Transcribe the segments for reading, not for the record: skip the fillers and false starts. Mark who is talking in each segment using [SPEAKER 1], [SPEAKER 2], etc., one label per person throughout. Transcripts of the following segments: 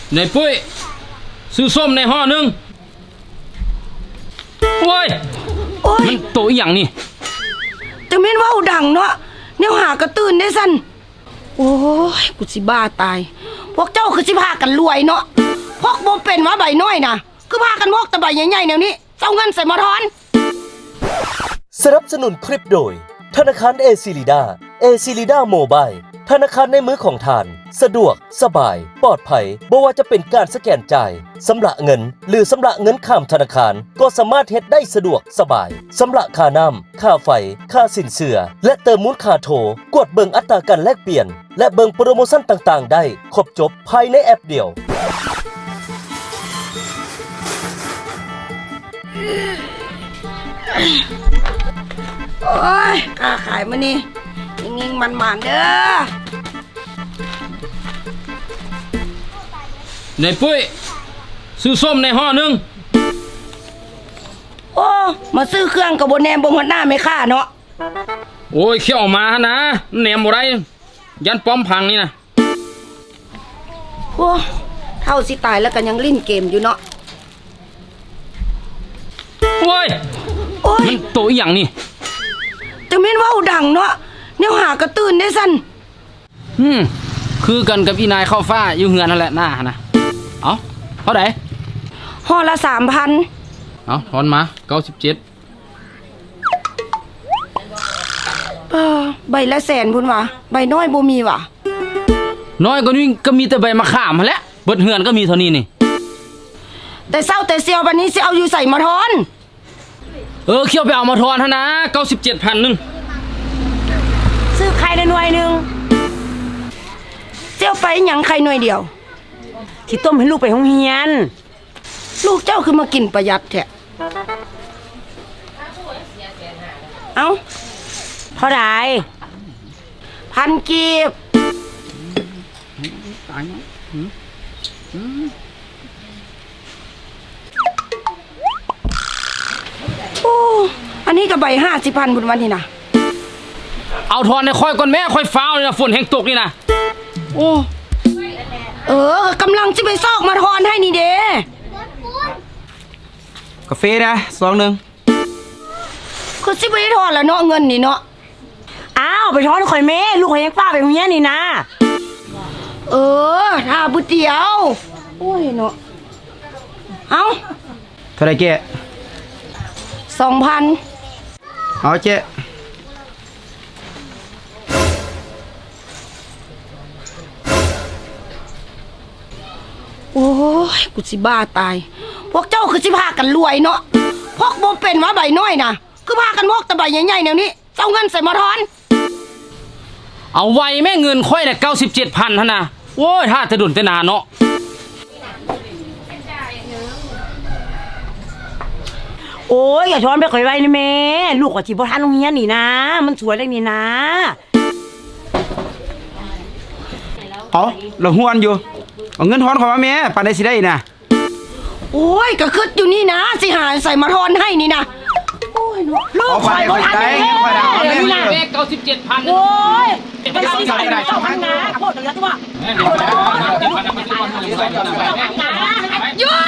[SPEAKER 1] ในปุ้ยซื้อส้มในห่อนึงโอ้ยมันโตอีหยังนี่
[SPEAKER 2] แต่แม่นว่าดังเนาะแนวหากระตื่นได้สั่นโอ้ยกูสิบ้าตายพวกเจ้าคือสิพากันรวยเนาะพวกบ่เป็นว่าใบน้อยน่ะคือพากันพกแต่ใบใหญ่ๆแนวนี้เจ้าเงินใส่มาทอน
[SPEAKER 3] สนับสนุนคลิปโดยธนาคารเอซิลิดาโมบายธนาคารในมือของท่านสะดวกสบายปลอดภัยบ่ว่าจะเป็นการสแกนจ่ายสำระเงินหรือสำระเงินข้ามธนาคารก็สามารถเฮ็ดได้สะดวกสบายสำระค่าน้ำค่าไฟค่าสินเชื่อและเติมมูลค่าโทรกดเบิ่งอัตราการแลกเปลี่ยนและเบิ่งโปรโมชั่นต่างๆได้ครบจบภายในแอปเดียว
[SPEAKER 2] โอ้ยค้าขายมานี่ยิงๆมันๆเด้อ
[SPEAKER 1] ในปุ้ยซื้อส้มในห่อนึง
[SPEAKER 2] โอ้มาซื้อเครื่องกับบนแนมบนหัวหน้าไม่ค่าเนาะ
[SPEAKER 1] โอ้ยเขี้ยวมานะแหนมบ่ได้ยันป้อมพังนี่นะ
[SPEAKER 2] โอ้เท่าสิตายแล้วกันยังลิ้นเกมอยู่เนาะ
[SPEAKER 1] โอ้ยมันโตอีหยังนี่
[SPEAKER 2] แต่แม่นว่าดังเนาะแนวหากระตื่นได้สั่น
[SPEAKER 1] คือกันกับอีนายเข้าฟ้าอยู่เฮือนนั่นแหละหน้านะเอาเท่าไหร่
[SPEAKER 2] ห่อละ 3,000
[SPEAKER 1] เอาทอนมา97
[SPEAKER 2] ใบละแสนพุ่นวะใบน้อยบ่มีวะ
[SPEAKER 1] น้อยกว่านี้ก็มีแต่ใบมะขามมาแล้วเบิดเฮือนก็มีเท่านี้นี่
[SPEAKER 2] แต่เศร้าแต่เสียววันนี้สิเอาอยู่ใส่มาทอน
[SPEAKER 1] เขี้ยวไปเอามาทอนเท่านะ97,000นึง
[SPEAKER 2] ซื้อไข่ได้หน่วยนึงเสียวไปหยังไข่หน่วยเดียว
[SPEAKER 4] ที่ต้มให้ลูกไปโรงเรียน
[SPEAKER 2] ลูกเจ้าคือมากินประหยัดแท้เอ้า
[SPEAKER 4] เท่าไหร่
[SPEAKER 2] 1,000 กีบ
[SPEAKER 1] ตายมั้ย
[SPEAKER 2] โอ้อันนี้ก็ใบ50,000บุญวันนี่นะ
[SPEAKER 1] เอาทอนในค่อยก่อนแม่ค่อยฟ้าวเลยนะฝนแห้งตกนี่นะโอ้
[SPEAKER 2] กำลังจะไปซอกมาทอนให้นี่เด้
[SPEAKER 5] กาแฟนะซองนึง
[SPEAKER 2] คือสิไปทอนแล้วเนาะเงินนี่เนาะ
[SPEAKER 4] อ้าวไปทอนข่อยแม่ลูกข่อยยังป้าไปโรงเรียนนี่นะ
[SPEAKER 2] ถ้าบุเดียวโอ้ยเนาะเอา
[SPEAKER 5] เท่าไรเจ๊
[SPEAKER 2] 2,000
[SPEAKER 5] เอาเจ๊
[SPEAKER 2] โอ้ยกูสิบ้าตายพวกเจ้าคือสิพากันรวยเนาะพวกบ่เป็นว่าใบน้อยน่ะคือพากันพกแต่ใบใหญ่ๆแนวนี้เจ้าเงินใส่มาทอน
[SPEAKER 1] เอาไว้แม่เงินค่อยน่ะ97,000ท่านนะโอ้ยถ้าจะดุนแต่นานเนาะ
[SPEAKER 4] โอ้ยอย่าช้อนไปข่อยไว้นะแม่ลูกก็สิบ่ทันโรงเรียนนี่นะมันสวยเลยนี่นะ
[SPEAKER 5] เอาเราห้วนอยู่เอาเงินทอนขอมาแม่ปานได้สิได้นะ
[SPEAKER 2] โอ้ยก็คิดอยู่นี่นะสิหาใส่มาทอนให้นี่นะโอ้ยลูกข่อยบ่ทันแม่
[SPEAKER 1] แม่97,000
[SPEAKER 4] โอ้ยไปสิใส่ได้เจ้าพันนะโคตรเหลือตัว
[SPEAKER 2] หยุด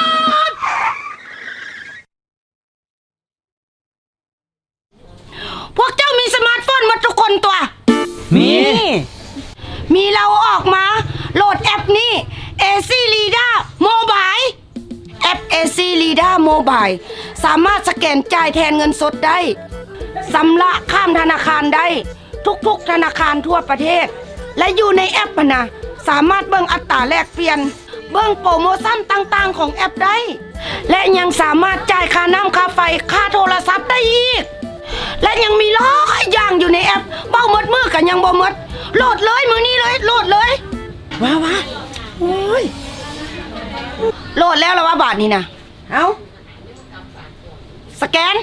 [SPEAKER 2] พวกเจ้ามีสมาร์ทโฟนหมดทุกคนตัวมีเราออกมาโหลดแอปนี้ AC Leader Mobile แอป AC Leader Mobile สามารถสแกนจ่ายแทนเงินสดได้ชำระข้ามธนาคารได้ทุกธนาคารทั่วประเทศและอยู่ในแอปนะสามารถเบิ่งอัตราแลกเปลี่ยนเบิ่งโปรโมชั่นต่างๆของแอปได้และยังสามารถจ่ายค่าน้ำค่าไฟค่าโทรศัพท์ได้อีกและยังมีหลายอย่างอยู่ในแอปเบ้าหมดมือกันยังบ่หมดโหลดเลยมือนี้เลยโหลดเลยว้าโอ้ยโหลดแล้วละว่าบาทนี่นะเอาสแกน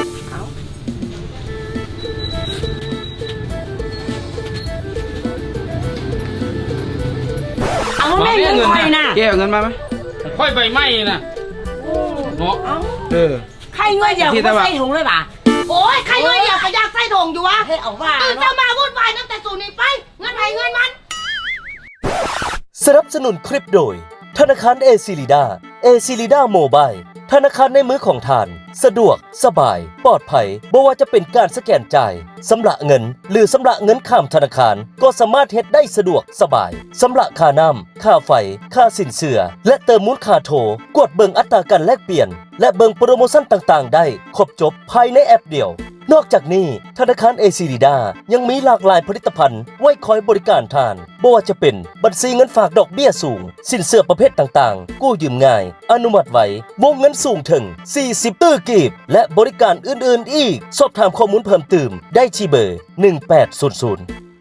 [SPEAKER 4] เอาแม่เงินข่อยน่ะ
[SPEAKER 5] เจ๊เอาเงินมาไหม
[SPEAKER 1] ค่อยใบไม้น่ะ
[SPEAKER 2] เนาะ
[SPEAKER 4] ใครเงินเดียวก็ใส่ถุงเลยป่ะ
[SPEAKER 2] โอ้ยใครเงินเดียวก็อยากใส่ถุงอยู่วะ
[SPEAKER 4] ให้เอาว่า
[SPEAKER 2] ตื่นเช้ามาวุ่นวายตั้งแต่สูนี้ไปเงินไผเงินมัน
[SPEAKER 3] สนับสนุนคลิปโดยนาคารเอซิลิดาเอซิลิดาโมบายธนาคารในมือของท่านสะดวกสบายปลอดภัยบ่ว่าจะเป็นการสแกนจ่ายสำระเงินหรือสำระเงินข้ามธนาคารก็สามารถเฮ็ดได้สะดวกสบายสำระค่าน้ำค่าไฟค่าสินเชื่อและเติมมูลค่าโทรกดเบิ่งอัตราการแลกเปลี่ยนและเบิ่งโปรโมชั่นต่างๆได้ครบจบภายในแอปเดียวนอกจากนี้ธนาคารเอซิลิดายังมีหลากหลายผลิตภัณฑ์ไว้คอยบริการท่านบ่ว่าจะเป็นบัญชีเงินฝากดอกเบี้ยสูงสินเชื่อประเภทต่างๆกู้ยืมง่ายอนุมัติไววงเงินสูงถึง40ตื้อกีบและบริการอื่นๆอีกสอบถามข้อมูลเพิ่มเติมได้ที่เบอร์1800